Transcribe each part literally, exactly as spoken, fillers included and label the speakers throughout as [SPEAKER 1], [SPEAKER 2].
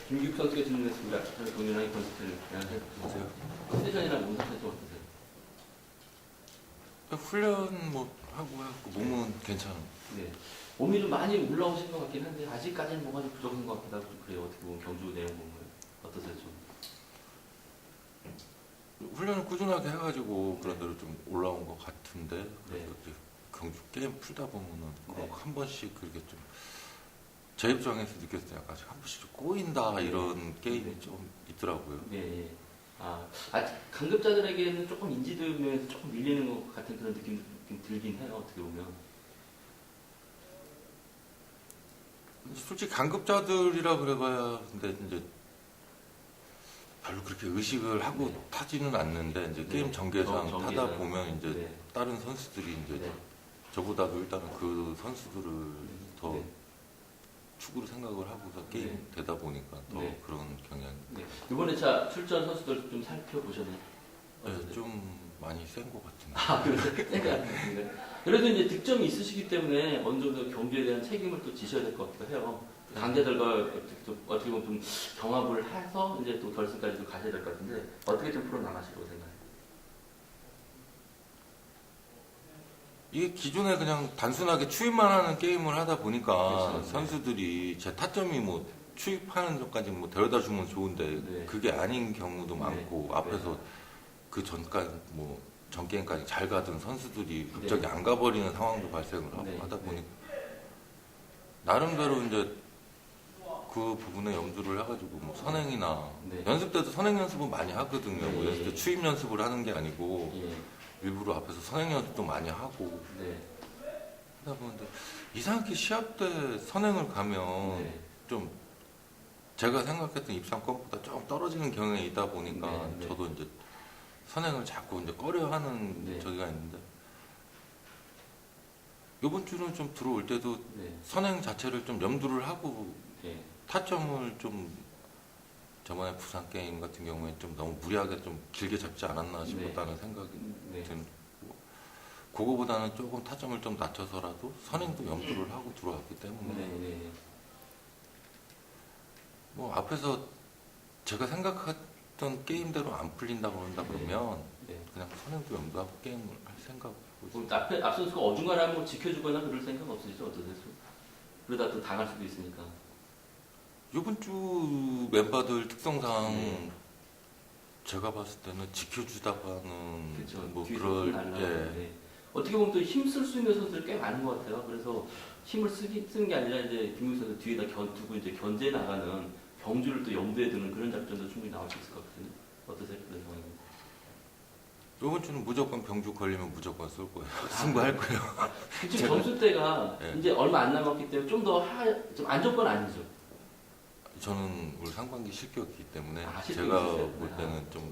[SPEAKER 1] 김기욱 선수가 질문했습니다. 저희 동료랑의 컨디션을 안녕하세요. 컨디션이랑 몸 상태 좀 어떠세요?
[SPEAKER 2] 훈련 뭐 하고 해갖고 몸은 괜찮아요.
[SPEAKER 1] 네. 몸이 좀 많이 올라오신 것 같긴 한데 아직까지는 뭐가 좀 부족한 것 같기도 하고 좀 그래요. 어떻게 보면 경주 내용 보면 어떠세요 좀?
[SPEAKER 2] 훈련을 꾸준하게 해가지고 그런 대로 좀 올라온 것 같은데
[SPEAKER 1] 네.
[SPEAKER 2] 이제 경주 게임 풀다 보면은
[SPEAKER 1] 네.
[SPEAKER 2] 꼭 한 번씩 그렇게 좀 제 입장에서 느꼈을 때 약간 한 번씩 좀 꼬인다
[SPEAKER 1] 네.
[SPEAKER 2] 이런 게임이
[SPEAKER 1] 네.
[SPEAKER 2] 좀 있더라고요.
[SPEAKER 1] 네. 예. 아, 아직 강급자들에게는 조금 인지도 면에서 조금 밀리는 것 같은 그런 느낌 좀 들긴 해요. 어떻게 보면.
[SPEAKER 2] 솔직히 강급자들이라 그래봐야 근데 이제 별로 그렇게 의식을 하고
[SPEAKER 1] 네.
[SPEAKER 2] 타지는 않는데 이제
[SPEAKER 1] 네.
[SPEAKER 2] 게임 전개상
[SPEAKER 1] 정-
[SPEAKER 2] 타다
[SPEAKER 1] 전개상.
[SPEAKER 2] 보면 이제
[SPEAKER 1] 네.
[SPEAKER 2] 다른 선수들이 이제
[SPEAKER 1] 네.
[SPEAKER 2] 저보다도 일단은 그 선수들을 더
[SPEAKER 1] 네.
[SPEAKER 2] 축으로 생각을 하고서 게임
[SPEAKER 1] 네.
[SPEAKER 2] 되다 보니까 더
[SPEAKER 1] 네.
[SPEAKER 2] 그런 경향이
[SPEAKER 1] 네. 이번에 차 출전 선수들 좀 살펴보셨나요?
[SPEAKER 2] 네, 좀 많이 센 것 같은데.
[SPEAKER 1] 아, 그래서 생각하는데 그래도 이제 득점이 있으시기 때문에 어느 정도 경기에 대한 책임을 또 지셔야 될 것 같기도 해요. 강자들과 어떻게, 좀, 어떻게 보면 좀 경합을 해서 이제 또 결승까지도 가셔야 될 것 같은데 어떻게 좀 풀어 나가시려고 생각해요?
[SPEAKER 2] 이게 기존에 그냥 단순하게 추입만 하는 게임을 하다 보니까
[SPEAKER 1] 그렇죠.
[SPEAKER 2] 선수들이 제 타점이 뭐 추입하는 것까지 뭐 데려다 주면 좋은데
[SPEAKER 1] 네.
[SPEAKER 2] 그게 아닌 경우도
[SPEAKER 1] 네.
[SPEAKER 2] 많고 앞에서
[SPEAKER 1] 네.
[SPEAKER 2] 그 전까지 뭐 전 게임까지 잘 가던 선수들이
[SPEAKER 1] 네.
[SPEAKER 2] 갑자기 안 가버리는 상황도 발생을 하고
[SPEAKER 1] 네.
[SPEAKER 2] 하다
[SPEAKER 1] 네.
[SPEAKER 2] 보니까 나름대로 이제 그 부분에 염두를 해가지고 뭐 선행이나
[SPEAKER 1] 네.
[SPEAKER 2] 연습 때도 선행 연습은 많이 하거든요.
[SPEAKER 1] 네.
[SPEAKER 2] 뭐 연습 때 추입 연습을 하는 게 아니고
[SPEAKER 1] 예.
[SPEAKER 2] 일부러 앞에서 선행 연습도 많이 하고
[SPEAKER 1] 네.
[SPEAKER 2] 하다 보는데 이상하게 시합 때 선행을 가면
[SPEAKER 1] 네.
[SPEAKER 2] 좀 제가 생각했던 입상권보다 조금 떨어지는 경향이 있다 보니까
[SPEAKER 1] 네, 네.
[SPEAKER 2] 저도 이제 선행을 자꾸 이제 꺼려하는
[SPEAKER 1] 네.
[SPEAKER 2] 저기가 있는데 이번 주는 좀 들어올 때도
[SPEAKER 1] 네.
[SPEAKER 2] 선행 자체를 좀 염두를 하고
[SPEAKER 1] 네.
[SPEAKER 2] 타점을 좀 저번에 부산 게임 같은 경우에 좀 너무 무리하게 좀 길게 잡지 않았나 싶었다는 생각이
[SPEAKER 1] 네.
[SPEAKER 2] 든 그거보다는 조금 타점을 좀 낮춰서라도 선행도 염두를 하고 들어왔기 때문에
[SPEAKER 1] 네. 네.
[SPEAKER 2] 뭐 앞에서 제가 생각했던 게임대로 안 풀린다 그런다 그러면
[SPEAKER 1] 네.
[SPEAKER 2] 그냥 선행도 염두하고 게임을 할 생각하고 있어요.
[SPEAKER 1] 그럼 앞에 앞 선수가 어중간하면 뭐 지켜주거나 그럴 생각 없으시죠? 어떠세요? 그러다 또 당할 수도 있으니까.
[SPEAKER 2] 이번 주 멤버들 특성상
[SPEAKER 1] 네.
[SPEAKER 2] 제가 봤을 때는 지켜주다가는
[SPEAKER 1] 그렇죠.
[SPEAKER 2] 뭐
[SPEAKER 1] 뒤에서
[SPEAKER 2] 그럴
[SPEAKER 1] 날라.
[SPEAKER 2] 예.
[SPEAKER 1] 네. 어떻게 보면 또 힘 쓸 수 있는 선수들 꽤 많은 것 같아요. 그래서 힘을 쓰기, 쓰는 게 아니라 이제 김국 선수 뒤에다 견, 두고 이제 견제 나가는 경주를 또 염두에 두는 그런 작전도 충분히 나올 수 있을 것 같거든요. 어떠세요? 그런 상황입니다.
[SPEAKER 2] 이번 주는 무조건 병주 걸리면 무조건 쏠 거예요. 승부할 거예요.
[SPEAKER 1] 지금
[SPEAKER 2] 제가-
[SPEAKER 1] 점수대가
[SPEAKER 2] 네.
[SPEAKER 1] 이제 얼마 안 남았기 때문에 좀 더 좀 안정권 아니죠?
[SPEAKER 2] 저는 올 상반기 실격이기 때문에
[SPEAKER 1] 아, 실격이
[SPEAKER 2] 제가
[SPEAKER 1] 있으세요?
[SPEAKER 2] 볼
[SPEAKER 1] 아.
[SPEAKER 2] 때는 좀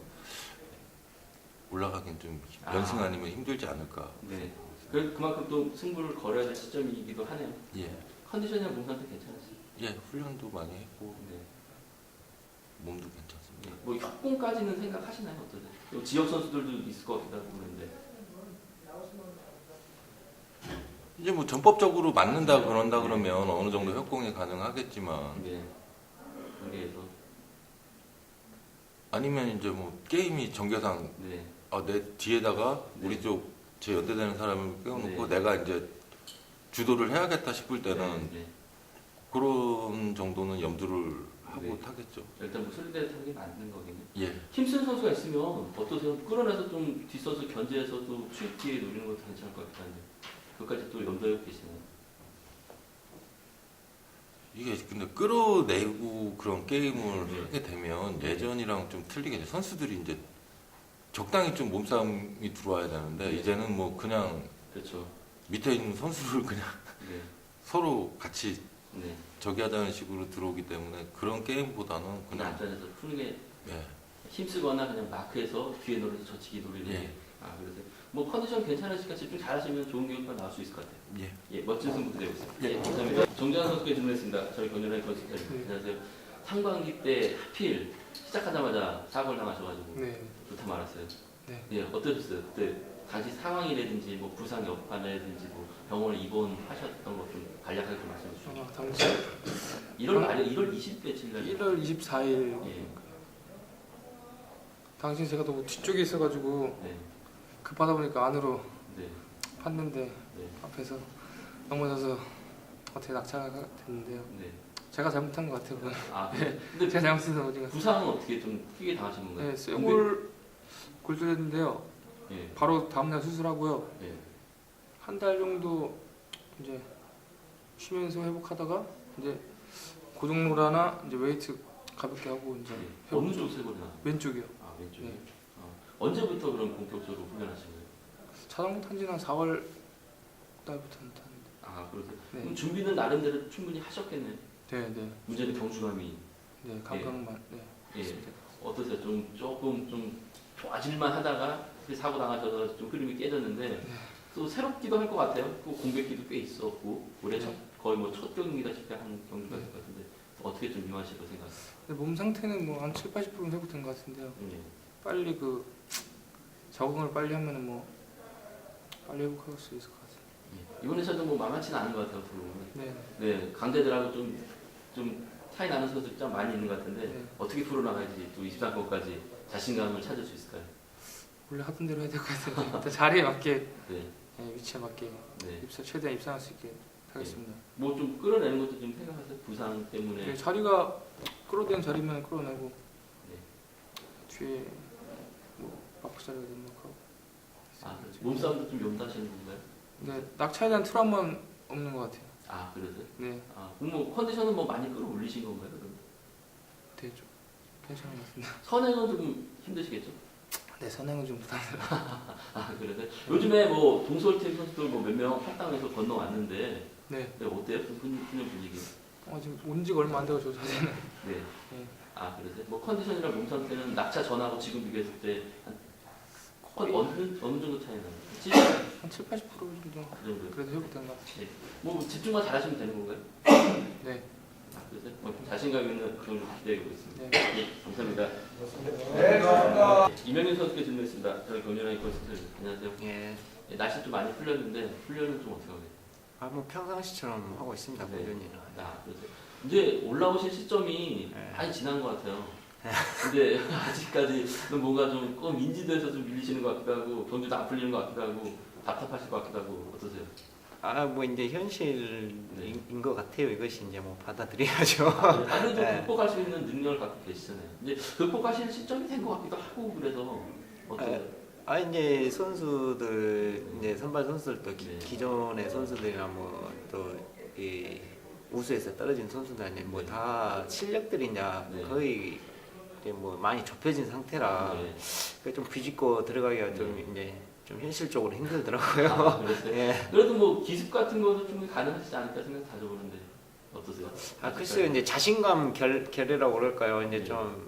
[SPEAKER 2] 올라가긴 좀
[SPEAKER 1] 아.
[SPEAKER 2] 연승 아니면 힘들지 않을까.
[SPEAKER 1] 네. 그, 그만큼 또 승부를 걸어야 될 시점이기도 하네요.
[SPEAKER 2] 예.
[SPEAKER 1] 컨디션이랑 몸 상태 괜찮으세요?
[SPEAKER 2] 예, 훈련도 많이 했고
[SPEAKER 1] 네.
[SPEAKER 2] 몸도 괜찮습니다.
[SPEAKER 1] 네. 뭐 협공까지는 생각하시나요? 어떠세요? 또 지역 선수들도 있을 것 같기도 하고 그런데.
[SPEAKER 2] 이제 뭐 전법적으로 맞는다
[SPEAKER 1] 네.
[SPEAKER 2] 그런다
[SPEAKER 1] 네.
[SPEAKER 2] 그러면 어느 정도 협공이 가능하겠지만
[SPEAKER 1] 네. 거기에서.
[SPEAKER 2] 아니면 이제 뭐 게임이 전개상
[SPEAKER 1] 네.
[SPEAKER 2] 아, 내 뒤에다가
[SPEAKER 1] 네.
[SPEAKER 2] 우리 쪽 제 연대되는 사람을 끼워놓고
[SPEAKER 1] 네.
[SPEAKER 2] 내가 이제 주도를 해야겠다 싶을 때는
[SPEAKER 1] 네. 네.
[SPEAKER 2] 그런 정도는 염두를 하고
[SPEAKER 1] 네.
[SPEAKER 2] 타겠죠.
[SPEAKER 1] 일단 뭐 소리대로 타는 게 맞는 거겠네요.
[SPEAKER 2] 예.
[SPEAKER 1] 힘쓴 선수가 있으면 어떠세요? 끌어내서 좀 뒷선수 견제해서 또 추입 뒤에 노리는 것도 괜찮을 것 같긴 한데 그것까지 또 염두에 계시나요?
[SPEAKER 2] 이게 근데 끌어내고 그런 게임을
[SPEAKER 1] 네.
[SPEAKER 2] 하게 되면 예전이랑 좀 틀리게 이제 선수들이 이제 적당히 좀 몸싸움이 들어와야 되는데
[SPEAKER 1] 네.
[SPEAKER 2] 이제는 뭐 그냥
[SPEAKER 1] 그렇죠.
[SPEAKER 2] 밑에 있는 선수를 그냥
[SPEAKER 1] 네.
[SPEAKER 2] 서로 같이
[SPEAKER 1] 네.
[SPEAKER 2] 저기 하자는 식으로 들어오기 때문에 그런 게임보다는
[SPEAKER 1] 그냥
[SPEAKER 2] 그냥
[SPEAKER 1] 안전해서 푸는 게
[SPEAKER 2] 예.
[SPEAKER 1] 힘쓰거나 그냥 마크해서 뒤에 노려서 저치기 노리는
[SPEAKER 2] 예.
[SPEAKER 1] 게. 아, 그래서 뭐 컨디션 괜찮으시니까 집중 잘하시면 좋은 결과 나올 수 있을 것 같아요.
[SPEAKER 2] 예.
[SPEAKER 1] 예, 멋진 승부 기대하고 있습니다.
[SPEAKER 2] 예.
[SPEAKER 1] 예, 감사합니다. 정재환 선수께 질문했습니다. 저희 권현아의 건축가님. 안녕하세요. 상반기 때 하필 시작하자마자 사고를 당하셔가지고
[SPEAKER 3] 네.
[SPEAKER 1] 좋다 말았어요.
[SPEAKER 3] 네.
[SPEAKER 1] 예, 어떠셨어요? 그때 당시 상황이라든지 뭐 부상 여파라든지 뭐 병원에 입원하셨던 것 좀 간략하게 좀 말씀해 주시죠.
[SPEAKER 3] 아, 당시
[SPEAKER 1] 일월 말에 일월 이십 며칠 날.
[SPEAKER 3] 일월 이십사일
[SPEAKER 1] 예.
[SPEAKER 3] 당시 제가 너무 뒤쪽에 있어가지고
[SPEAKER 1] 네.
[SPEAKER 3] 급하다 보니까 안으로
[SPEAKER 1] 네.
[SPEAKER 3] 팠는데
[SPEAKER 1] 네.
[SPEAKER 3] 앞에서 넘어져서 어떻게 낙차가 됐는데요.
[SPEAKER 1] 네.
[SPEAKER 3] 제가 잘못한 것 같아요. 그건.
[SPEAKER 1] 아, 근데
[SPEAKER 3] 제가 잘못해서 어디가
[SPEAKER 1] 부상은 어떻게 좀 크게 당하신 건가요?
[SPEAKER 3] 네, 쇠골 골절했는데요.
[SPEAKER 1] 예.
[SPEAKER 3] 바로 다음날 수술하고요.
[SPEAKER 1] 예.
[SPEAKER 3] 한 달 정도 이제 쉬면서 회복하다가 이제 고정로라나 이제 웨이트 가볍게 하고 이제
[SPEAKER 1] 예.
[SPEAKER 3] 회복.
[SPEAKER 1] 어느 쪽 쇄골이 나요?
[SPEAKER 3] 왼쪽이요.
[SPEAKER 1] 아, 왼쪽에.
[SPEAKER 3] 네.
[SPEAKER 1] 어. 언제부터 그럼 본격적으로 훈련하신 거예요?
[SPEAKER 3] 자전거 탄 지는 한 사월 달부터 탔는데.
[SPEAKER 1] 아, 그러세요?
[SPEAKER 3] 네.
[SPEAKER 1] 그럼 준비는 나름대로 충분히 하셨겠네요.
[SPEAKER 3] 네, 네,
[SPEAKER 1] 문제는 경중함이.
[SPEAKER 3] 네, 감각만. 네.
[SPEAKER 1] 예.
[SPEAKER 3] 있습니다.
[SPEAKER 1] 어떠세요? 좀 조금 좀 좋아질만 하다가 사고 당하셔서 좀 흐름이 깨졌는데
[SPEAKER 3] 네.
[SPEAKER 1] 또 새롭기도 할 것 같아요. 또 공백기도 꽤 있었고 올해 첫,
[SPEAKER 3] 네.
[SPEAKER 1] 거의 뭐 첫 경기다시피 한 경기가
[SPEAKER 3] 네.
[SPEAKER 1] 될 것 같은데 어떻게 좀 임하시고 생각하세요?
[SPEAKER 3] 근데 몸 상태는 뭐 한 칠, 팔십 퍼센트 회복된 것 같은데요.
[SPEAKER 1] 예.
[SPEAKER 3] 빨리 그 적응을 빨리 하면은 뭐 빨리 회복할 수 있을 것 같아요.
[SPEAKER 1] 예. 이번 회차도 뭐 만만치는 않은 것 같아요. 어떻게 보면.
[SPEAKER 3] 네.
[SPEAKER 1] 네, 강대들하고 좀, 좀 차이 나는 선수들이 좀 많이 있는 것 같은데
[SPEAKER 3] 네.
[SPEAKER 1] 어떻게 풀어나가야지 또 이십삼 권까지 자신감을 찾을 수 있을까요?
[SPEAKER 3] 원래 하던 대로 해야 될 것 같아요. 일단 자리에 맞게
[SPEAKER 1] 네,
[SPEAKER 3] 네, 위치에 맞게
[SPEAKER 1] 네.
[SPEAKER 3] 입사 최대한 입상할 수 있게 하겠습니다.
[SPEAKER 1] 뭐 좀 끌어내는 것도 좀 생각하세요? 부상 때문에.
[SPEAKER 3] 네, 자리가 끌어대는 자리면 끌어내고
[SPEAKER 1] 네.
[SPEAKER 3] 뒤에 뭐 마크 자리가 등록하고.
[SPEAKER 1] 아, 몸싸움도 좀 용다시는 건가요?
[SPEAKER 3] 네, 낙차에 대한 트라우마는 없는 것 같아요.
[SPEAKER 1] 아, 그러세요?
[SPEAKER 3] 네,
[SPEAKER 1] 아, 그럼 뭐 컨디션은 뭐 많이 끌어올리신 건가요? 그럼?
[SPEAKER 3] 되게 좀 괜찮은 것 같습니다.
[SPEAKER 1] 선행은 좀 힘드시겠죠?
[SPEAKER 3] 네, 선행은 좀 부담스러워.
[SPEAKER 1] 아, 그러세요? 요즘에 뭐 동서울팀 선수들 뭐 몇 명 탈당해서 건너왔는데
[SPEAKER 3] 네,
[SPEAKER 1] 네, 어때요? 그 훈- 훈련 분위기?
[SPEAKER 3] 어, 지금 온 지가 얼마 안 돼서 자세는.
[SPEAKER 1] 네.
[SPEAKER 3] 네.
[SPEAKER 1] 아, 그러세요? 뭐 컨디션이랑 몸 상태는 낙차 전하고 지금 비교했을 때한 어느, 어느 정도 차이 나요? 칠십?
[SPEAKER 3] 한 칠, 팔십 퍼센트 정도
[SPEAKER 1] 그 정도요?
[SPEAKER 3] 그래도 회복된 것 같아요.
[SPEAKER 1] 뭐 집중만 잘하시면 되는 건가요?
[SPEAKER 3] 네,
[SPEAKER 1] 아, 그래서 뭐 자신감 있는 그런 걸 기대하고 있습니다.
[SPEAKER 3] 네.
[SPEAKER 1] 예, 감사합니다. 네, 감사합니다. 이명윤 선수께 질문했습니다. 저희 경륜아이 선수들 안녕하세요.
[SPEAKER 4] 예.
[SPEAKER 1] 예, 날씨 좀 많이 풀렸는데 훈련은 좀 어떻게 하세요?
[SPEAKER 4] 아, 뭐 평상시처럼 하고 있습니다.
[SPEAKER 1] 네.
[SPEAKER 4] 꾸준히.
[SPEAKER 1] 아, 그러세요. 이제 올라오실 시점이
[SPEAKER 4] 네.
[SPEAKER 1] 많이 지난 것 같아요. 근데 아직까지는 뭔가 좀 꼭 인지도에서 좀 밀리시는 것 같기도 하고 경주도 안 풀리는 것 같기도 하고 답답하실 것 같기도 하고 어떠세요?
[SPEAKER 4] 아, 뭐 이제 현실인
[SPEAKER 1] 네.
[SPEAKER 4] 것 같아요. 이것이 이제 뭐 받아들여야죠.
[SPEAKER 1] 아, 그래도
[SPEAKER 4] 네.
[SPEAKER 1] 극복할 수 있는 능력을 갖고 계시잖아요. 이제 극복하실 시점이 된 것 같기도 하고 그래서 어떠세요?
[SPEAKER 4] 아, 이제 선수들 이제 선발 선수들도 기,
[SPEAKER 1] 네.
[SPEAKER 4] 기존의 선수들이나 뭐 또 이 우수에서 떨어진 선수들 이제
[SPEAKER 1] 네.
[SPEAKER 4] 뭐 다 실력들이 이제
[SPEAKER 1] 네.
[SPEAKER 4] 거의 이제 뭐 많이 좁혀진 상태라
[SPEAKER 1] 네.
[SPEAKER 4] 그게 좀 비집고 들어가기가 좀
[SPEAKER 1] 네.
[SPEAKER 4] 이제 좀 현실적으로 힘들더라고요.
[SPEAKER 1] 아, 그랬어요?
[SPEAKER 4] 예.
[SPEAKER 1] 그래도 뭐 기습 같은 거는 충분히 가능하시지 않을까 생각 가져보는데 어떠세요?
[SPEAKER 4] 아, 글쎄요, 이제 자신감 결, 결이라고 그럴까요? 이제
[SPEAKER 1] 네.
[SPEAKER 4] 좀,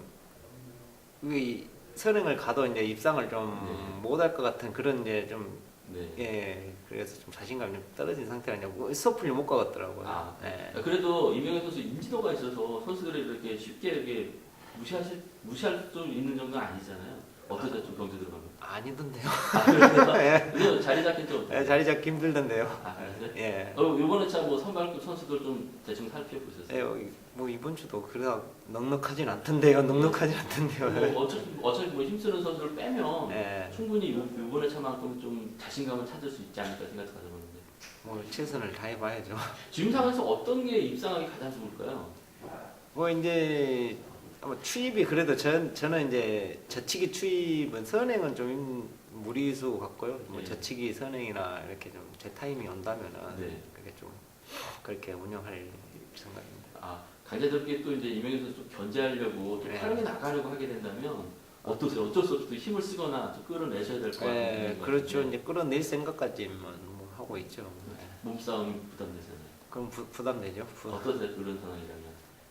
[SPEAKER 4] 이 선행을 가도 이제 입상을 좀
[SPEAKER 1] 네.
[SPEAKER 4] 못할 것 같은 그런 이제 좀,
[SPEAKER 1] 네.
[SPEAKER 4] 예, 그래서 좀 자신감이 좀 떨어진 상태라 이제 뭐 섣불리 못 가겠더라고요.
[SPEAKER 1] 아,
[SPEAKER 4] 예.
[SPEAKER 1] 그래도 이명현 선수 인지도가 있어서 선수들이 이렇게 쉽게 이렇게 무시하실 무시할 수 있는 정도는 아니잖아요. 어떠세요? 좀 경주 들어가면?
[SPEAKER 4] 아니던데요.
[SPEAKER 1] 아, 그래서
[SPEAKER 4] 예.
[SPEAKER 1] 왜냐면 자리 잡긴 좀 어때요?
[SPEAKER 4] 예, 자리 잡기 힘들던데요.
[SPEAKER 1] 아, 그래요?
[SPEAKER 4] 예.
[SPEAKER 1] 어, 이번에 참뭐 선발급 선수들 좀 대충 살펴보셨어요?
[SPEAKER 4] 예, 어, 뭐 이번 주도 그래도 넉넉하진 않던데요. 넉넉하진 않던데요.
[SPEAKER 1] 뭐 어차피, 어차피 뭐 힘쓰는 선수를 빼면
[SPEAKER 4] 예.
[SPEAKER 1] 충분히 요- 이번에 차만큼 좀 자신감을 찾을 수 있지 않을까 생각 가져보는데
[SPEAKER 4] 뭐 최선을 다해봐야죠.
[SPEAKER 1] 지금 상황에서 어떤 게 입상하기 가장 좋을까요?
[SPEAKER 4] 뭐 이제 아마 추입이 그래도 전 저는 이제 저치기 추입은 선행은 좀 무리수 같고요. 뭐
[SPEAKER 1] 네.
[SPEAKER 4] 저치기 선행이나 이렇게 좀 제 타임이 온다면은
[SPEAKER 1] 네.
[SPEAKER 4] 그게 좀 그렇게 운영할 생각입니다.
[SPEAKER 1] 아, 강자들께 또 이제 이명현 선수 좀 견제하려고 좀
[SPEAKER 4] 네.
[SPEAKER 1] 활용해 나가려고 하게 된다면 어떠세요? 어쩔 수 없이 또 힘을 쓰거나 좀 끌어내셔야 될 것 같은
[SPEAKER 4] 네,
[SPEAKER 1] 분위기인 것
[SPEAKER 4] 그렇죠.
[SPEAKER 1] 같은데
[SPEAKER 4] 이제 끌어낼 생각까지만 뭐 하고 있죠. 네.
[SPEAKER 1] 몸싸움이 부담되잖아요.
[SPEAKER 4] 그럼 부, 부담되죠. 부,
[SPEAKER 1] 어떠세요? 그런 상황이라면?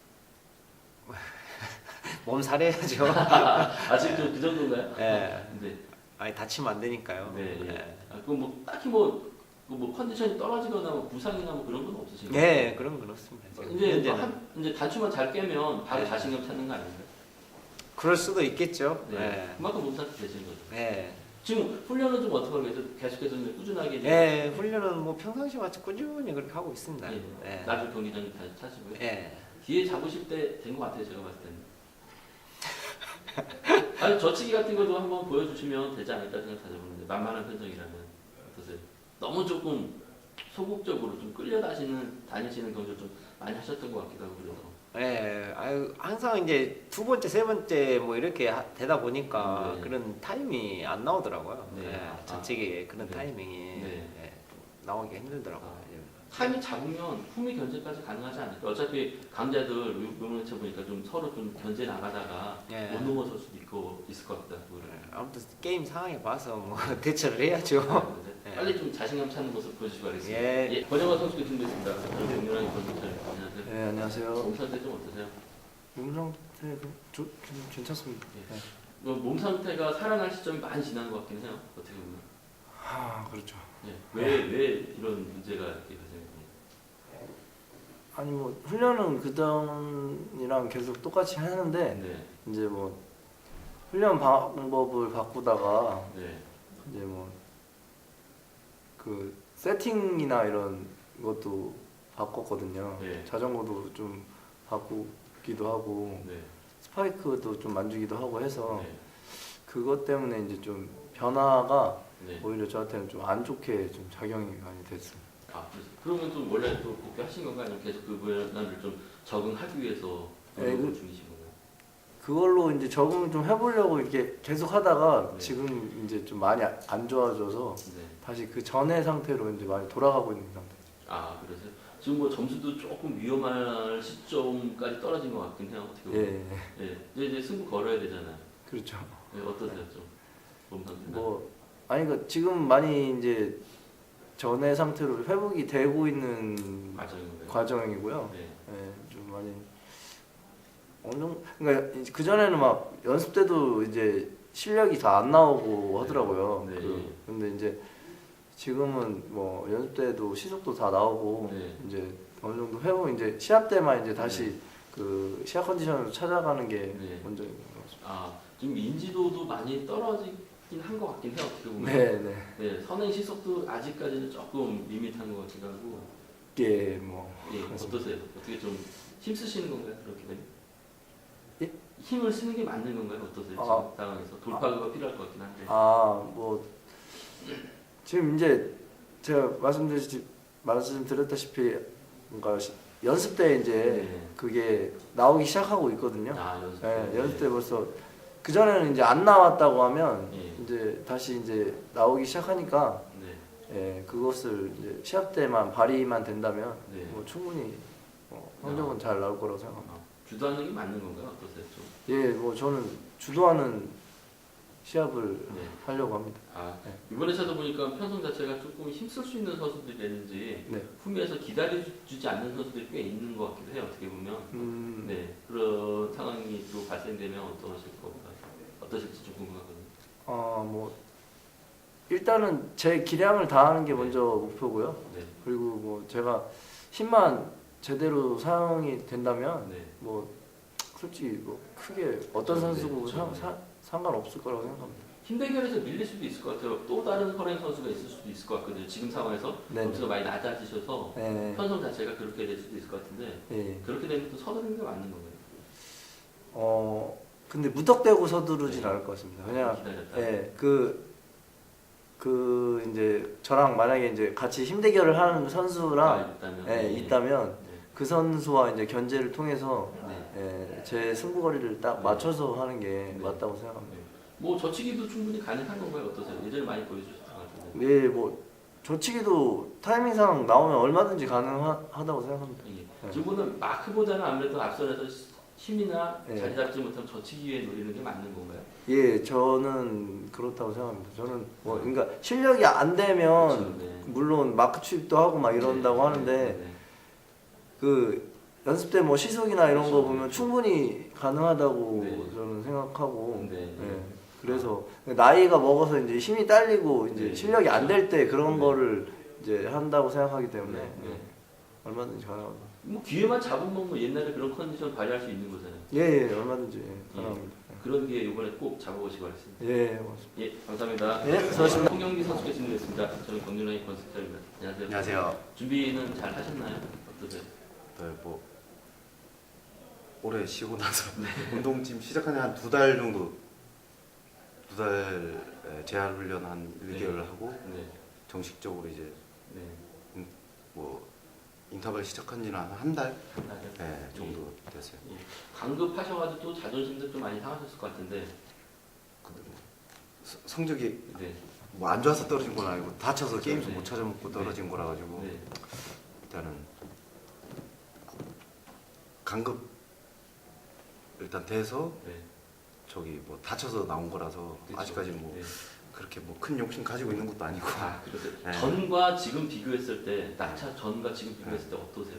[SPEAKER 4] 몸살해야죠.
[SPEAKER 1] 아직 좀 그 정도인가요?
[SPEAKER 4] 예.
[SPEAKER 1] 네.
[SPEAKER 4] 아니 다치면 안 되니까요.
[SPEAKER 1] 네. 예.
[SPEAKER 4] 예.
[SPEAKER 1] 아, 그럼 뭐 딱히 뭐, 그뭐 컨디션이 떨어지거나 뭐 부상이나 뭐 그런 건 없으신가요?
[SPEAKER 4] 예, 그런 건 없습니다. 지금
[SPEAKER 1] 이제,
[SPEAKER 4] 현재는.
[SPEAKER 1] 한, 이제 단추만 잘 깨면 바로
[SPEAKER 4] 네.
[SPEAKER 1] 자신감 찾는 거 아닌가요?
[SPEAKER 4] 그럴 수도 있겠죠.
[SPEAKER 1] 네.
[SPEAKER 4] 예.
[SPEAKER 1] 그만큼 몸 상태 되시는 거죠.
[SPEAKER 4] 예.
[SPEAKER 1] 지금 훈련은 좀 어떻게 하고 계세요? 계속해서 이제 꾸준하게 이제
[SPEAKER 4] 예, 훈련은 뭐 평상시 같이 꾸준히 그렇게 하고 있습니다.
[SPEAKER 1] 예.
[SPEAKER 4] 예.
[SPEAKER 1] 나중 경기장 다시 차시고요.
[SPEAKER 4] 예.
[SPEAKER 1] 기회 잡으실 때 된 것 같아요, 제가 봤을 때는. 아니 저치기 같은 것도 한번 보여주시면 되지 않을까 생각하는데 만만한 편정이라면 어떠세요? 너무 조금 소극적으로 좀 끌려다니는 다니시는 경우를 좀 많이 하셨던 것 같기도 하고 그래서.
[SPEAKER 4] 예, 아유, 항상 이제 두 번째, 세 번째 뭐 이렇게 하- 되다 보니까
[SPEAKER 1] 네.
[SPEAKER 4] 그런 타임이 안 나오더라고요.
[SPEAKER 1] 네.
[SPEAKER 4] 예,
[SPEAKER 1] 아.
[SPEAKER 4] 전체기에 그런
[SPEAKER 1] 네.
[SPEAKER 4] 타이밍이
[SPEAKER 1] 네.
[SPEAKER 4] 예, 나오기 힘들더라고요.
[SPEAKER 1] 아.
[SPEAKER 4] 예.
[SPEAKER 1] 타임이 잡으면 품위 견제까지 가능하지 않을까? 어차피 강자들 요번에 보니까 좀 서로 좀 견제 나가다가
[SPEAKER 4] 예.
[SPEAKER 1] 못 넘어설 수도 있고 있을 것 같다. 그거를.
[SPEAKER 4] 아무튼 게임 상황에 봐서 뭐 대처를 해야죠. 예.
[SPEAKER 1] 빨리 좀 자신감 찾는 모습 보여주시기 바라겠습니다.
[SPEAKER 4] 예.
[SPEAKER 1] 예, 권영화 선수께 준비했습니다. 정렬하게 권영찬 안녕하세요.
[SPEAKER 3] 네, 안녕하세요.
[SPEAKER 1] 몸 상태 좀 어떠세요?
[SPEAKER 3] 몸 상태 그, 저, 좀 괜찮습니다.
[SPEAKER 1] 예.
[SPEAKER 3] 네.
[SPEAKER 1] 뭐 몸 상태가 살아날 시점이 많이 지난 것 같긴 해요. 어떻게 보면.
[SPEAKER 3] 아, 그렇죠.
[SPEAKER 1] 예. 왜, 왜 이런 문제가 이렇게 발생했나요?
[SPEAKER 3] 아니 뭐 훈련은 그전이랑 계속 똑같이 하는데
[SPEAKER 1] 네.
[SPEAKER 3] 이제 뭐 훈련 방법을 바꾸다가
[SPEAKER 1] 네.
[SPEAKER 3] 이제 뭐 그 세팅이나 이런 것도 바꿨거든요.
[SPEAKER 1] 네.
[SPEAKER 3] 자전거도 좀 바꾸기도 하고
[SPEAKER 1] 네.
[SPEAKER 3] 스파이크도 좀 만지기도 하고 해서
[SPEAKER 1] 네.
[SPEAKER 3] 그것 때문에 이제 좀 변화가
[SPEAKER 1] 네.
[SPEAKER 3] 오히려 저한테는 좀 안 좋게 좀 작용이 많이 됐습니다.
[SPEAKER 1] 아, 그래서 그러면 좀 원래 또 복귀하신 건가요? 아니면 계속 그 변화를 좀 적응하기 위해서
[SPEAKER 3] 네,
[SPEAKER 1] 노력을
[SPEAKER 3] 그-
[SPEAKER 1] 중이신 건가요?
[SPEAKER 3] 그걸로 이제 적응을 좀 해보려고 이렇게 계속 하다가
[SPEAKER 1] 네.
[SPEAKER 3] 지금 이제 좀 많이 아- 안 좋아져서
[SPEAKER 1] 네.
[SPEAKER 3] 다시 그 전의 상태로 이제 많이 돌아가고 있는 상태.
[SPEAKER 1] 아, 그래서 지금 뭐 점수도 조금 위험할 시점까지 떨어진 것 같긴 해요. 어떻게 보면.
[SPEAKER 3] 예,
[SPEAKER 1] 예. 이제, 이제 승부 걸어야 되잖아요.
[SPEAKER 3] 그렇죠.
[SPEAKER 1] 예, 어떠세요, 좀? 몸 상태는?
[SPEAKER 3] 뭐 아니 그 지금 많이 이제 전의 상태로 회복이 되고 있는
[SPEAKER 1] 과정인가요?
[SPEAKER 3] 과정이고요.
[SPEAKER 1] 네.
[SPEAKER 3] 예, 좀 많이 어느 정도 그러니까 그 전에는 막 연습 때도 이제 실력이 다 안 나오고 하더라고요.
[SPEAKER 1] 네.
[SPEAKER 3] 그, 근데 이제 지금은 뭐 연습 때도 시속도 다 나오고
[SPEAKER 1] 네.
[SPEAKER 3] 이제 어느 정도 회복 이제 시합 때만 이제 다시 그 시합 컨디션으로 찾아가는 게
[SPEAKER 1] 네.
[SPEAKER 3] 먼저인 것 같습니다.
[SPEAKER 1] 아, 지금 인지도도 많이 떨어지긴 한 것 같긴 해요. 어떻게 보면.
[SPEAKER 3] 네, 네.
[SPEAKER 1] 네, 선행 시속도 아직까지는 조금 밋밋한 것 같기도 하고.
[SPEAKER 3] 예, 뭐
[SPEAKER 1] 예, 어떠세요? 어떻게 좀 힘쓰시는 건가요? 그렇게 되면?
[SPEAKER 3] 예?
[SPEAKER 1] 힘을 쓰는 게 맞는 건가요? 어떠세요?
[SPEAKER 3] 아.
[SPEAKER 1] 지금 상황에서 돌파구가 필요할 것 같긴 한데.
[SPEAKER 3] 아, 뭐 지금 이제 제가 말씀드렸 말씀드렸다시피 뭔가 시- 연습 때 이제
[SPEAKER 1] 네.
[SPEAKER 3] 그게 나오기 시작하고 있거든요.
[SPEAKER 1] 아, 연습.
[SPEAKER 3] 예,
[SPEAKER 1] 때.
[SPEAKER 3] 연습 때 벌써 그 전에는 이제 안 나왔다고 하면
[SPEAKER 1] 예.
[SPEAKER 3] 이제 다시 이제 나오기 시작하니까
[SPEAKER 1] 네.
[SPEAKER 3] 예, 그것을 이제 시합 때만 발휘만 된다면
[SPEAKER 1] 네.
[SPEAKER 3] 뭐 충분히 뭐 성적은 잘 나올 거라고 생각합니다.
[SPEAKER 1] 아, 주도하는 게 맞는 건가요? 어떠세요? 좀?
[SPEAKER 3] 예, 뭐 저는 주도하는 시합을
[SPEAKER 1] 네.
[SPEAKER 3] 하려고 합니다.
[SPEAKER 1] 아,
[SPEAKER 3] 네.
[SPEAKER 1] 이번에 찾아보니까 편성 자체가 조금 힘쓸 수 있는 선수들이 되는지
[SPEAKER 3] 네.
[SPEAKER 1] 후미에서 기다려주지 않는 선수들이 꽤 있는 것 같기도 해요. 어떻게 보면.
[SPEAKER 3] 음,
[SPEAKER 1] 네, 그런 상황이 또 발생되면 어떠실 건가? 어떠실지 좀 궁금하거든요.
[SPEAKER 3] 어, 뭐 일단은 제 기량을 다하는 게 먼저 목표고요.
[SPEAKER 1] 네,
[SPEAKER 3] 그리고 뭐 제가 힘만 제대로 사용이 된다면
[SPEAKER 1] 네,
[SPEAKER 3] 뭐 솔직히 뭐 크게 어떤
[SPEAKER 1] 네,
[SPEAKER 3] 선수고
[SPEAKER 1] 그렇죠.
[SPEAKER 3] 상, 사, 상관없을 거라고 생각합니다.
[SPEAKER 1] 힘 대결에서 밀릴 수도 있을 것 같아요. 또 다른 허랭 선수가 있을 수도 있을 것 같거든요. 지금 상황에서
[SPEAKER 3] 네.
[SPEAKER 1] 점수가 많이 낮아지셔서
[SPEAKER 3] 네.
[SPEAKER 1] 편성 자체가 그렇게 될 수도 있을 것 같은데
[SPEAKER 3] 예.
[SPEAKER 1] 그렇게 되면 또 서두르는 게 맞는 건가요?
[SPEAKER 3] 어 근데 무턱대고 서두르진
[SPEAKER 1] 네.
[SPEAKER 3] 않을 것 같습니다. 그냥
[SPEAKER 1] 기다렸다.
[SPEAKER 3] 예, 그, 그 이제 저랑 만약에 이제 같이 힘 대결을 하는 선수랑
[SPEAKER 1] 아, 있다면.
[SPEAKER 3] 예,
[SPEAKER 1] 네.
[SPEAKER 3] 있다면
[SPEAKER 1] 네.
[SPEAKER 3] 그 선수와 이제 견제를 통해서
[SPEAKER 1] 네.
[SPEAKER 3] 예, 제 승부거리를 딱
[SPEAKER 1] 네.
[SPEAKER 3] 맞춰서 하는 게
[SPEAKER 1] 네.
[SPEAKER 3] 맞다고 생각합니다.
[SPEAKER 1] 네. 뭐 저치기도 충분히 가능한 건가요? 어떠세요? 예전에 많이 보여주셨던 것 같은데.
[SPEAKER 3] 예, 뭐 저치기도 타이밍상 나오면 얼마든지 가능하다고 생각합니다.
[SPEAKER 1] 예.
[SPEAKER 3] 네.
[SPEAKER 1] 지금은 마크보다는 아무래도 앞선에서 힘이나
[SPEAKER 3] 네.
[SPEAKER 1] 자리 잡지 못하면 저치기에 노리는 게 맞는 건가요?
[SPEAKER 3] 예, 저는 그렇다고 생각합니다. 저는 뭐 그러니까 실력이 안 되면
[SPEAKER 1] 그렇죠. 네.
[SPEAKER 3] 물론 마크 추입도 하고 막 이런다고
[SPEAKER 1] 네.
[SPEAKER 3] 하는데
[SPEAKER 1] 네.
[SPEAKER 3] 그 연습 때 뭐 시속이나 이런 거
[SPEAKER 1] 그렇죠.
[SPEAKER 3] 보면 충분히 가능하다고
[SPEAKER 1] 네.
[SPEAKER 3] 저는 생각하고
[SPEAKER 1] 네.
[SPEAKER 3] 예, 그래서 나이가 먹어서 이제 힘이 딸리고 이제
[SPEAKER 1] 네.
[SPEAKER 3] 실력이 안 될 때 그런
[SPEAKER 1] 네.
[SPEAKER 3] 거를 이제 한다고 생각하기 때문에
[SPEAKER 1] 네. 네.
[SPEAKER 3] 예, 얼마든지 가능합니다.
[SPEAKER 1] 뭐 기회만 잡으면 뭐 옛날에 그런 컨디션 발휘할 수 있는 거잖아요.
[SPEAKER 3] 예, 예 얼마든지 예, 가능합니다. 예.
[SPEAKER 1] 그런 게 이번에 꼭 잡아보시기 바랍니다.
[SPEAKER 3] 예, 고맙습니다.
[SPEAKER 1] 예, 감사합니다.
[SPEAKER 3] 예, 수고하셨습니다.
[SPEAKER 1] 송영기 선수께 질문했습니다. 저는 경륜라인 건설입니다. 안녕하세요.
[SPEAKER 5] 안녕하세요.
[SPEAKER 1] 준비는 잘 하셨나요? 어떠세요?
[SPEAKER 5] 네, 뭐 올해 쉬고 나서 운동 지금 시작한 지 한 두 달 정도 두 달 재활 훈련 한 일 개월 하고
[SPEAKER 1] 네,
[SPEAKER 5] 정식적으로 이제
[SPEAKER 1] 네.
[SPEAKER 5] 뭐 인터벌 시작한 지는 한 한 달
[SPEAKER 1] 맞아요.
[SPEAKER 5] 네, 정도 됐어요.
[SPEAKER 1] 예. 강급하셔가지고 또 자존심도 좀 많이 상하셨을 것 같은데.
[SPEAKER 5] 근데 뭐 서- 성적이
[SPEAKER 1] 네.
[SPEAKER 5] 뭐 안 좋아서 떨어진 건 아니고 다쳐서 게임도
[SPEAKER 1] 네.
[SPEAKER 5] 못 찾아먹고 떨어진 거라 가지고
[SPEAKER 1] 네.
[SPEAKER 5] 일단은 강급 일단 돼서
[SPEAKER 1] 네.
[SPEAKER 5] 저기 뭐 다쳐서 나온 거라서
[SPEAKER 1] 그렇죠.
[SPEAKER 5] 아직까지 뭐
[SPEAKER 1] 네.
[SPEAKER 5] 그렇게 뭐 큰 욕심 가지고 있는 것도 아니고
[SPEAKER 1] 아, 그러세요.
[SPEAKER 5] 네.
[SPEAKER 1] 전과 지금 비교했을 때 낙차 전과 지금 비교했을 때 어떠세요?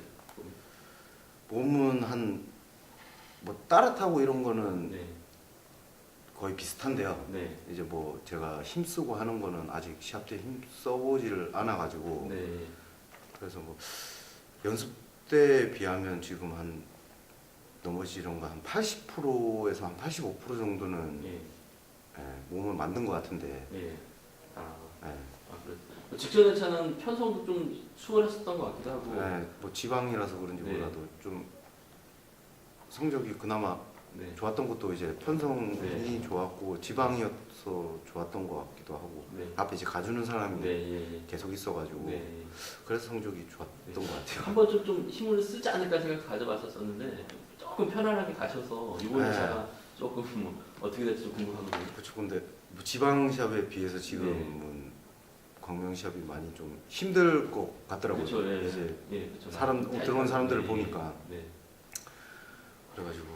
[SPEAKER 5] 몸은 한 뭐 따뜻하고 이런 거는
[SPEAKER 1] 네.
[SPEAKER 5] 거의 비슷한데요.
[SPEAKER 1] 네.
[SPEAKER 5] 이제 뭐 제가 힘쓰고 하는 거는 아직 시합 때 힘 써보지를 않아 가지고
[SPEAKER 1] 네.
[SPEAKER 5] 그래서 뭐 연습 때 비하면 지금 한 넘어지는 거 한 팔십 퍼센트에서 한 팔십오 퍼센트 정도는
[SPEAKER 1] 예.
[SPEAKER 5] 예, 몸을 만든 것 같은데
[SPEAKER 1] 예. 아,
[SPEAKER 5] 예,
[SPEAKER 1] 아 그래. 직전에 차는 편성도 좀 수월했었던 것 같기도 하고.
[SPEAKER 5] 예, 뭐 지방이라서 그런지
[SPEAKER 1] 네.
[SPEAKER 5] 몰라도 좀 성적이 그나마
[SPEAKER 1] 네.
[SPEAKER 5] 좋았던 것도 이제 편성이
[SPEAKER 1] 네.
[SPEAKER 5] 좋았고 지방이어서 좋았던 것 같기도 하고
[SPEAKER 1] 네.
[SPEAKER 5] 앞에 이제 가주는 사람이
[SPEAKER 1] 네. 예. 예.
[SPEAKER 5] 계속 있어가지고
[SPEAKER 1] 네.
[SPEAKER 5] 그래서 성적이 좋았던
[SPEAKER 1] 네.
[SPEAKER 5] 것 같아요.
[SPEAKER 1] 한 번쯤 좀 힘을 쓰지 않을까 생각 가져봤었었는데 조금 편안하게 가셔서 이번
[SPEAKER 5] 네.
[SPEAKER 1] 차가 조금 뭐 어떻게 될지 좀 궁금하거든요.
[SPEAKER 5] 그렇죠. 근데 뭐 지방 시합에 비해서
[SPEAKER 1] 네.
[SPEAKER 5] 지금은 광명 시합이 많이 좀 힘들 것 같더라고요.
[SPEAKER 1] 그렇죠. 예.
[SPEAKER 5] 이제
[SPEAKER 1] 예. 그렇죠.
[SPEAKER 5] 사람
[SPEAKER 1] 잘
[SPEAKER 5] 들어온 사람들을
[SPEAKER 1] 네.
[SPEAKER 5] 보니까
[SPEAKER 1] 네.
[SPEAKER 5] 그래가지고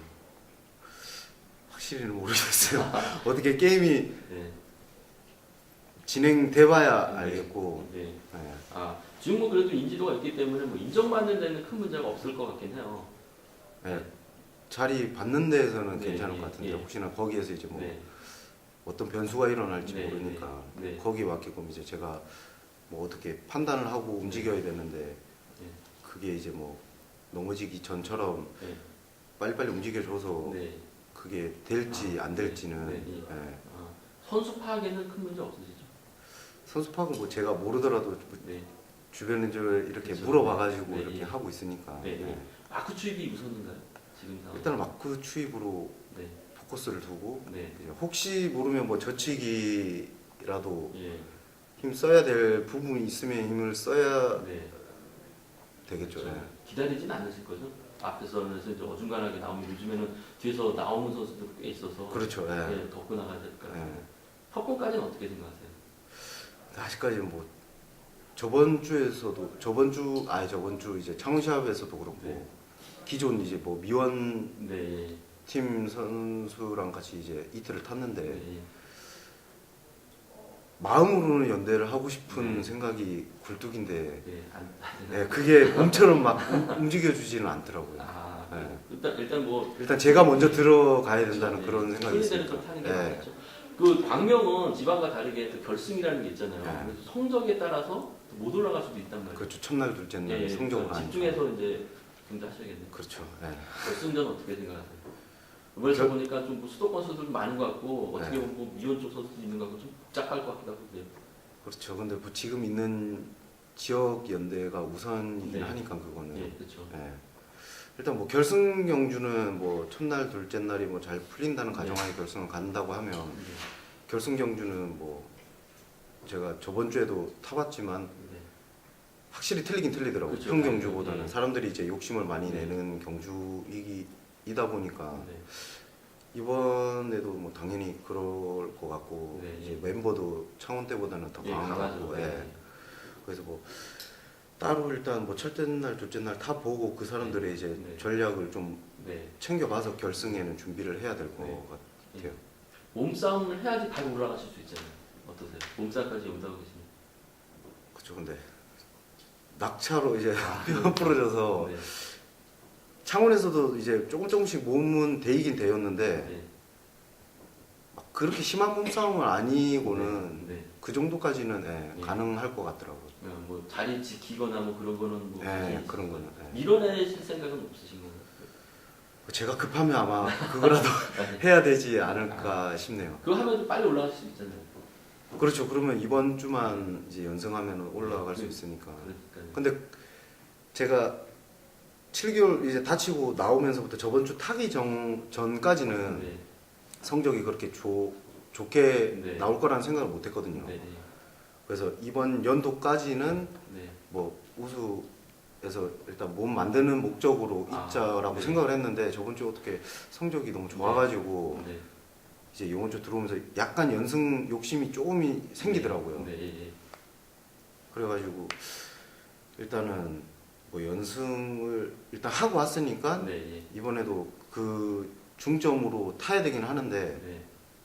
[SPEAKER 5] 확실히는 모르겠어요. 어떻게 게임이
[SPEAKER 1] 네.
[SPEAKER 5] 진행돼봐야
[SPEAKER 1] 네.
[SPEAKER 5] 알겠고.
[SPEAKER 1] 네.
[SPEAKER 5] 네.
[SPEAKER 1] 아, 지금 뭐 그래도 인지도가 있기 때문에 뭐 인정받는 데는 큰 문제가 없을 것 같긴 해요.
[SPEAKER 5] 네. 자리 받는 데에서는
[SPEAKER 1] 네,
[SPEAKER 5] 괜찮을
[SPEAKER 1] 예,
[SPEAKER 5] 것 같은데
[SPEAKER 1] 예.
[SPEAKER 5] 혹시나 거기에서 이제 뭐
[SPEAKER 1] 네.
[SPEAKER 5] 어떤 변수가 일어날지
[SPEAKER 1] 네,
[SPEAKER 5] 모르니까
[SPEAKER 1] 네, 네.
[SPEAKER 5] 거기에 맞게끔 이제 제가 뭐 어떻게 판단을 하고 움직여야 되는데
[SPEAKER 1] 네.
[SPEAKER 5] 그게 이제 뭐 넘어지기 전처럼
[SPEAKER 1] 네.
[SPEAKER 5] 빨리빨리 움직여줘서
[SPEAKER 1] 네.
[SPEAKER 5] 그게 될지
[SPEAKER 1] 아,
[SPEAKER 5] 안 될지는
[SPEAKER 1] 네, 네.
[SPEAKER 5] 예.
[SPEAKER 1] 아, 선수 파악에는 큰 문제 없으시죠?
[SPEAKER 5] 선수 파악은 뭐 제가 모르더라도
[SPEAKER 1] 네.
[SPEAKER 5] 주변에 이제 이렇게
[SPEAKER 1] 그렇죠.
[SPEAKER 5] 물어봐가지고
[SPEAKER 1] 네,
[SPEAKER 5] 이렇게
[SPEAKER 1] 예.
[SPEAKER 5] 하고 있으니까
[SPEAKER 1] 네,
[SPEAKER 5] 예.
[SPEAKER 1] 네. 마크 추입이 우선인가요? 지금 상황.
[SPEAKER 5] 일단 마크 추입으로
[SPEAKER 1] 네.
[SPEAKER 5] 포커스를 두고
[SPEAKER 1] 네.
[SPEAKER 5] 이제 혹시 모르면 뭐 저치기라도
[SPEAKER 1] 예.
[SPEAKER 5] 힘 써야 될 부분이 있으면 힘을 써야
[SPEAKER 1] 네.
[SPEAKER 5] 되겠죠.
[SPEAKER 1] 그렇죠.
[SPEAKER 5] 예.
[SPEAKER 1] 기다리진 않으실 거죠? 앞에서는 이제 어중간하게 나오면 요즘에는 뒤에서 나오는 선수들 꽤 있어서
[SPEAKER 5] 그렇죠. 예.
[SPEAKER 1] 예, 덮고 나가야 될까.
[SPEAKER 5] 예.
[SPEAKER 1] 협공까지는 어떻게 생각하세요?
[SPEAKER 5] 아직까지는 뭐 저번 주에서도 저번 주 아니 저번 주 이제 창원시합에서도 그렇고
[SPEAKER 1] 네.
[SPEAKER 5] 기존 이제 뭐 미원
[SPEAKER 1] 네.
[SPEAKER 5] 팀 선수랑 같이 이제 이틀을 탔는데
[SPEAKER 1] 네.
[SPEAKER 5] 마음으로는 연대를 하고 싶은
[SPEAKER 1] 네.
[SPEAKER 5] 생각이 굴뚝인데
[SPEAKER 1] 네. 안,
[SPEAKER 5] 예, 그게 몸처럼 막 움- 움직여주지는 않더라고요.
[SPEAKER 1] 아,
[SPEAKER 5] 네.
[SPEAKER 1] 일단 일단 뭐
[SPEAKER 5] 일단 제가 먼저 들어가야 된다는
[SPEAKER 1] 네.
[SPEAKER 5] 그런 생각이
[SPEAKER 1] 순위대로
[SPEAKER 5] 있으니까.
[SPEAKER 1] 좀 타는 게
[SPEAKER 5] 예.
[SPEAKER 1] 맞죠. 그 광명은 지방과 다르게 또 결승이라는 게 있잖아요.
[SPEAKER 5] 네.
[SPEAKER 1] 그래서 성적에 따라서 못 올라갈 수도 있단 말이에요.
[SPEAKER 5] 그렇죠. 첫날 둘째 날
[SPEAKER 1] 예, 예.
[SPEAKER 5] 성적으로
[SPEAKER 1] 그러니까
[SPEAKER 5] 하니까.
[SPEAKER 1] 집중해서 이제 경기하셔야겠네요.
[SPEAKER 5] 그렇죠. 예.
[SPEAKER 1] 결승전 어떻게 생각하세요? 이번에
[SPEAKER 5] 저-
[SPEAKER 1] 보니까 좀뭐 수도권 선수들 많은 것 같고 어떻게
[SPEAKER 5] 네.
[SPEAKER 1] 보면 뭐 미원 쪽 선수도 있는 것 같고 좀 복잡할 것 같기도 하고 그래요.
[SPEAKER 5] 그렇죠. 근데 뭐 지금 있는 지역 연대가 우선이긴
[SPEAKER 1] 네.
[SPEAKER 5] 하니까 그거는.
[SPEAKER 1] 예, 그렇죠.
[SPEAKER 5] 예. 일단 뭐 결승 경주는 뭐 첫날 둘째 날이 뭐 잘 풀린다는
[SPEAKER 1] 네.
[SPEAKER 5] 가정하에 결승을 간다고 하면
[SPEAKER 1] 네.
[SPEAKER 5] 결승 경주는 뭐 제가 저번 주에도 타봤지만
[SPEAKER 1] 네.
[SPEAKER 5] 확실히 틀리긴 틀리더라고요.
[SPEAKER 1] 그렇죠.
[SPEAKER 5] 현 경주보다는
[SPEAKER 1] 네.
[SPEAKER 5] 사람들이 이제 욕심을 많이
[SPEAKER 1] 네.
[SPEAKER 5] 내는 경주이다 보니까
[SPEAKER 1] 네.
[SPEAKER 5] 이번에도 뭐 당연히 그럴 것 같고
[SPEAKER 1] 네.
[SPEAKER 5] 이제 멤버도 창원 때보다는 더
[SPEAKER 1] 예,
[SPEAKER 5] 강한 것
[SPEAKER 1] 강하죠.
[SPEAKER 5] 같고
[SPEAKER 1] 네.
[SPEAKER 5] 예. 그래서 뭐 따로 일단 뭐 첫째 날 둘째 날 다 보고 그 사람들의 이제
[SPEAKER 1] 네.
[SPEAKER 5] 전략을 좀
[SPEAKER 1] 네.
[SPEAKER 5] 챙겨봐서 결승에는 준비를 해야 될 것
[SPEAKER 1] 네.
[SPEAKER 5] 같아요.
[SPEAKER 1] 몸싸움을 해야지 바로 올라가실 수 있잖아요. 어떠세요? 몸싸움까지 온다고 계시면.
[SPEAKER 5] 그렇죠. 근데 낙차로 이제 뼈 부러져서
[SPEAKER 1] 네.
[SPEAKER 5] 창원에서도 이제 조금 조금씩 몸은 데이긴 데였는데
[SPEAKER 1] 네.
[SPEAKER 5] 막 그렇게 심한 몸싸움은 아니고는
[SPEAKER 1] 네. 네.
[SPEAKER 5] 그 정도까지는 예,
[SPEAKER 1] 네.
[SPEAKER 5] 가능할 것 같더라고요.
[SPEAKER 1] 그냥 뭐 자리 지키거나 뭐 그런 거는 뭐
[SPEAKER 5] 예,
[SPEAKER 1] 굳이
[SPEAKER 5] 그런 거는. 예.
[SPEAKER 1] 밀어내실 생각은 없으신 건가요?
[SPEAKER 5] 제가 급하면 아마 그거라도 해야 되지 않을까 싶네요.
[SPEAKER 1] 그거 하면 좀 빨리 올라갈 수 있잖아요.
[SPEAKER 5] 그렇죠. 그러면 이번 주만 이제 연승하면 올라갈 수 있으니까.
[SPEAKER 1] 그러니까.
[SPEAKER 5] 근데 제가 칠 개월 이제 다치고 나오면서부터 저번 주 타기 전, 전까지는
[SPEAKER 1] 네.
[SPEAKER 5] 성적이 그렇게 좋, 좋게
[SPEAKER 1] 네.
[SPEAKER 5] 나올 거라는 생각을 못 했거든요.
[SPEAKER 1] 네. 네.
[SPEAKER 5] 그래서 이번 연도까지는
[SPEAKER 1] 네.
[SPEAKER 5] 뭐 우수에서 일단 몸 만드는 목적으로
[SPEAKER 1] 아,
[SPEAKER 5] 입자라고
[SPEAKER 1] 네.
[SPEAKER 5] 생각을 했는데 저번 주에 어떻게 성적이 너무 좋아가지고
[SPEAKER 1] 네.
[SPEAKER 5] 이제 이번 주 들어오면서 약간 연승 욕심이 조금이 생기더라고요.
[SPEAKER 1] 네. 네.
[SPEAKER 5] 그래가지고 일단은 뭐 연승을 일단 하고 왔으니까
[SPEAKER 1] 네. 네.
[SPEAKER 5] 이번에도 그 중점으로 타야 되긴 하는데
[SPEAKER 1] 네.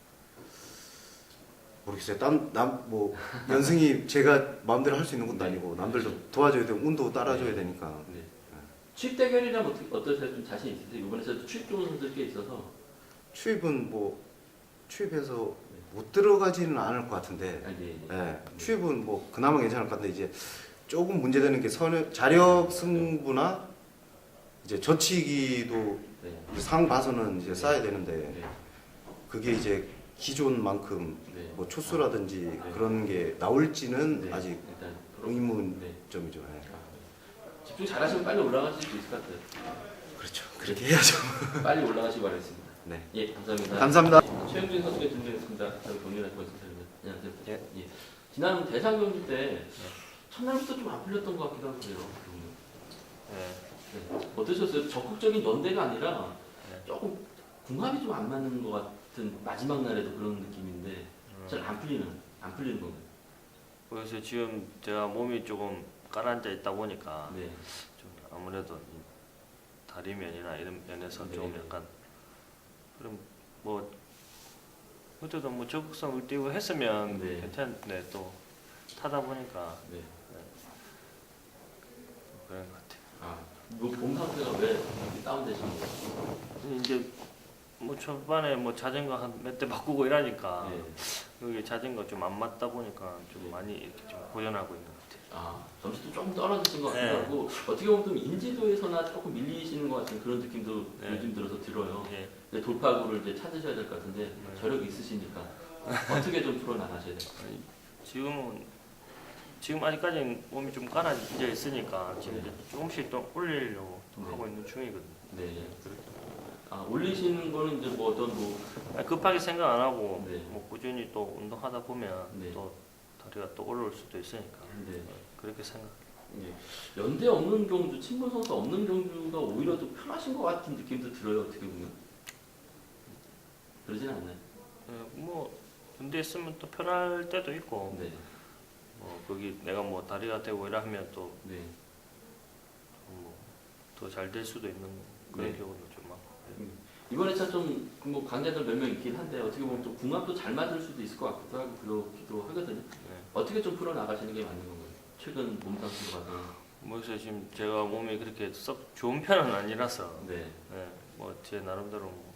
[SPEAKER 5] 모르겠어요. 땀남뭐 연승이 제가 마음대로 할 수 있는 것도
[SPEAKER 1] 네.
[SPEAKER 5] 아니고 남들도 도와줘야 되고 운도 따라줘야
[SPEAKER 1] 네.
[SPEAKER 5] 되니까.
[SPEAKER 1] 네. 취입 대결이라면 어떻게 어떠세요? 좀 자신 있으세요? 이번에도 취입 좋은 선수들 꽤 있어서.
[SPEAKER 5] 취입은 뭐 취입해서 못 들어가지는 않을 것 같은데.
[SPEAKER 1] 아, 예, 예.
[SPEAKER 5] 예, 취입은 뭐 그나마 괜찮을 것 같은데 이제 조금 문제되는 게 선, 자력 승부나 이제 젖히기도
[SPEAKER 1] 네.
[SPEAKER 5] 이제 상 봐서는 이제 쌓아야 되는데
[SPEAKER 1] 네.
[SPEAKER 5] 그게 이제 기존만큼
[SPEAKER 1] 네.
[SPEAKER 5] 뭐 초수라든지
[SPEAKER 1] 네.
[SPEAKER 5] 그런 게 나올지는
[SPEAKER 1] 네.
[SPEAKER 5] 아직
[SPEAKER 1] 일단 프로-
[SPEAKER 5] 의문점이죠.
[SPEAKER 1] 네.
[SPEAKER 5] 예.
[SPEAKER 1] 아, 집중 잘하시면 빨리 올라가실 수 있을 것 같아요.
[SPEAKER 5] 그렇죠. 그렇게 해야죠.
[SPEAKER 1] 빨리 올라가시기 바라겠습니다.
[SPEAKER 5] 네.
[SPEAKER 1] 예, 감사합니다.
[SPEAKER 5] 감사합니다.
[SPEAKER 1] 예, 최영준 선수가 준비했습니다. 저희 동료나 고맙습니다. 안녕하세요.
[SPEAKER 4] 예.
[SPEAKER 1] 예. 지난 대상 경기 때 첫날부터 좀 안 풀렸던 것 같기도 하고요.
[SPEAKER 4] 네.
[SPEAKER 1] 네. 어떠셨어요? 적극적인 연대가 아니라
[SPEAKER 4] 네.
[SPEAKER 1] 조금 궁합이 좀 안 맞는 것 같은 마지막 날에도 그런 느낌인데
[SPEAKER 4] 음.
[SPEAKER 1] 잘 안 풀리는 안 풀리는 건가요?
[SPEAKER 3] 그래서 지금 제가 몸이 조금 가라앉아 있다 보니까
[SPEAKER 1] 네.
[SPEAKER 3] 좀 아무래도 이 다리 면이나 이런 면에서
[SPEAKER 1] 네.
[SPEAKER 3] 좀 약간 그럼 뭐 그때도 뭐 적극성을 띄고 했으면
[SPEAKER 1] 네.
[SPEAKER 3] 괜찮네 또 타다 보니까
[SPEAKER 1] 네.
[SPEAKER 3] 그런 것 같아요.
[SPEAKER 1] 아, 뭐몸 상태가 왜 이렇게 다운되신 거예요?
[SPEAKER 3] 이제 뭐 초반에 뭐 자전거 한 몇 대 바꾸고 이러니까
[SPEAKER 1] 네.
[SPEAKER 3] 여기 자전거 좀 안 맞다 보니까 좀
[SPEAKER 1] 네.
[SPEAKER 3] 많이 이렇게 좀 고전하고 있는 것 같아요.
[SPEAKER 1] 아, 점수도 조금 떨어지신 것 같기도
[SPEAKER 3] 네.
[SPEAKER 1] 하고 어떻게 보면 좀 인지도에서나 조금 밀리시는 것 같은 그런 느낌도
[SPEAKER 3] 네.
[SPEAKER 1] 요즘 들어서 들어요.
[SPEAKER 3] 예.
[SPEAKER 1] 이제 돌파구를 이제 찾으셔야 될 것 같은데
[SPEAKER 3] 네.
[SPEAKER 1] 저력이 있으시니까 어떻게 좀 풀어나가셔야 돼요?
[SPEAKER 3] 아니, 지금은 지금 아직까지는 몸이 좀 가라앉아 있으니까 지금
[SPEAKER 1] 네.
[SPEAKER 3] 이제 조금씩 또 올리려고 좀
[SPEAKER 1] 네.
[SPEAKER 3] 하고 있는 중이거든요.
[SPEAKER 1] 네. 아, 올리시는 거는 이제 뭐 어떤 뭐
[SPEAKER 3] 아니, 급하게 생각 안 하고
[SPEAKER 1] 네.
[SPEAKER 3] 뭐 꾸준히 또 운동하다 보면
[SPEAKER 1] 네.
[SPEAKER 3] 또 다리가 또 올라올 수도 있으니까
[SPEAKER 1] 네.
[SPEAKER 3] 그렇게 생각.
[SPEAKER 1] 예. 연대 없는 경주, 친분 선수 없는 경주가 오히려 더 편하신 것 같은 느낌도 들어요. 어떻게 보면 그러진 않나요?
[SPEAKER 3] 예, 뭐 군대 있으면 또 편할 때도 있고
[SPEAKER 1] 네.
[SPEAKER 3] 뭐 거기 내가 뭐 다리가 되고 이러면 또
[SPEAKER 1] 네.
[SPEAKER 3] 뭐 더 잘 될 수도 있는 그런
[SPEAKER 1] 네.
[SPEAKER 3] 경우도 좀 많고.
[SPEAKER 1] 이번에 참좀뭐 강자들 몇 명 있긴 한데 어떻게 보면 좀 궁합도 잘 맞을 수도 있을 것 같기도 하고 그러기도 하거든요.
[SPEAKER 3] 네.
[SPEAKER 1] 어떻게 좀 풀어 나가시는 게 맞는 건가요? 최근 몸 상태로 봐서.
[SPEAKER 3] 뭐 그래서 지금 제가 몸이 그렇게 썩 좋은 편은 아니라서
[SPEAKER 1] 네.
[SPEAKER 3] 네, 뭐 제 나름대로 뭐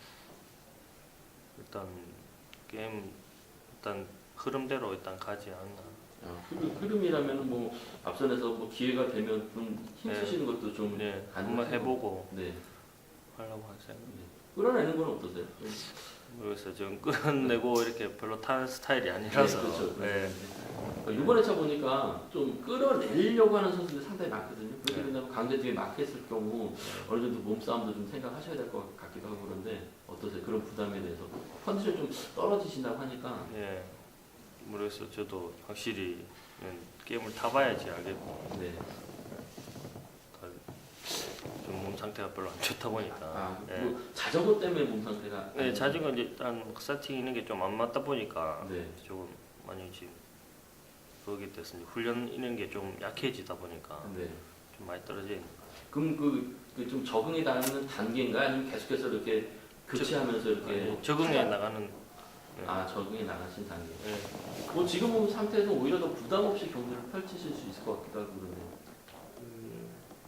[SPEAKER 3] 일단 게임 일단 흐름대로 일단 가지 않나.
[SPEAKER 1] 아, 흐름, 흐름이라면 뭐 앞선에서 뭐 기회가 되면 좀 힘쓰시는 것도 좀
[SPEAKER 3] 네,
[SPEAKER 1] 가능하시고.
[SPEAKER 3] 한번 해보고
[SPEAKER 1] 네.
[SPEAKER 3] 하려고 할 생각.
[SPEAKER 1] 네. 끌어내는 건 어떠세요?
[SPEAKER 3] 그래서 좀 끌어내고 이렇게 별로 타는 스타일이 아니라서.
[SPEAKER 1] 네, 그렇죠.
[SPEAKER 3] 네.
[SPEAKER 1] 어, 이번에 차 보니까 좀 끌어내려고 하는 선수들이 상당히 많거든요. 그렇게
[SPEAKER 3] 네.
[SPEAKER 1] 된다면 강대 뒤에 막혔을 경우 어느 정도 몸싸움도 좀 생각하셔야 될 것 같기도 하고 그런데 어떠세요? 그런 부담에 대해서 컨디션 좀 떨어지신다고 하니까
[SPEAKER 3] 예. 그래서 저도 확실히 게임을 타봐야지 알겠고
[SPEAKER 1] 네.
[SPEAKER 3] 좀 몸 상태가 별로 안 좋다 보니까.
[SPEAKER 1] 아,
[SPEAKER 3] 예.
[SPEAKER 1] 뭐 자전거 때문에 몸 상태가
[SPEAKER 3] 네, 자전거 이제 일단 스타팅 있는 게 좀 안 맞다 보니까
[SPEAKER 1] 네.
[SPEAKER 3] 조금 많이 지금 거기 돼서 이제 훈련 있는 게 좀 약해지다 보니까
[SPEAKER 1] 네.
[SPEAKER 3] 좀 많이 떨어져 있는.
[SPEAKER 1] 그럼 그 좀 적응이 나는 단계인가 아니면 계속해서 이렇게 교체하면서 이렇게
[SPEAKER 3] 아니, 적응해 나가는. 예.
[SPEAKER 1] 아 적응이 나가신 단계.
[SPEAKER 3] 예.
[SPEAKER 1] 뭐 지금 몸 상태에서 오히려 더 부담 없이 경기를 펼치실 수 있을 것 같기도 하고 그러네요.
[SPEAKER 3] 음,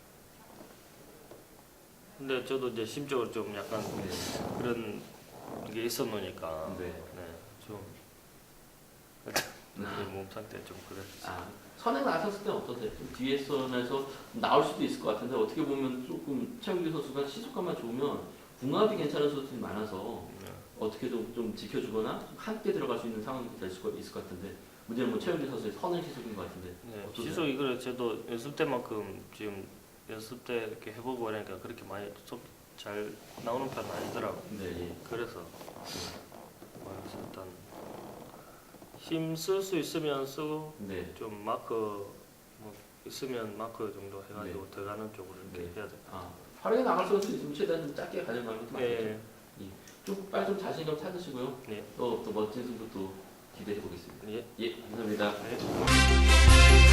[SPEAKER 3] 근데 저도 이제 심적으로 좀 약간
[SPEAKER 1] 네.
[SPEAKER 3] 그런 게 있었노니까.
[SPEAKER 1] 네.
[SPEAKER 3] 네, 좀
[SPEAKER 1] 아.
[SPEAKER 3] 몸 상태 좀 그래.
[SPEAKER 1] 아, 선에 나섰을 때 어떠세요? 좀 뒤에 선에서 나올 수도 있을 것 같은데 어떻게 보면 조금 최영규 선수가 시속감만 좋으면 궁합이 괜찮은 선수들이 많아서
[SPEAKER 6] 네.
[SPEAKER 1] 어떻게든 좀 지켜주거나 좀 함께 들어갈 수 있는 상황이 될 수가 있을 것 같은데 문제는 뭐 최영재 선수의 선을 시속인 것 같은데
[SPEAKER 6] 네,
[SPEAKER 1] 어떠세요?
[SPEAKER 6] 시소 이거를 저도 연습 때만큼 지금 연습 때 이렇게 해보고 그러니까 그렇게 많이 좀 잘 나오는 편은 아니더라고.
[SPEAKER 1] 네, 예.
[SPEAKER 6] 그래서 뭐 그래서 일단 힘 쓸 수 있으면 쓰고
[SPEAKER 1] 네.
[SPEAKER 6] 좀 마크 뭐 있으면 마크 정도 해가지고 들어가는 쪽으로 이렇게
[SPEAKER 1] 네.
[SPEAKER 6] 해야 돼.
[SPEAKER 1] 아, 활약에 나갈 선수 있으면 최대한 좀 짧게 가져가는 것도 맞죠.
[SPEAKER 6] 예,
[SPEAKER 1] 좀 빨리 좀 자신감 찾으시고요.
[SPEAKER 6] 네.
[SPEAKER 1] 또, 또 멋진 승부 또 기대해 보겠습니다.
[SPEAKER 6] 예.
[SPEAKER 1] 예, 감사합니다.
[SPEAKER 6] 네.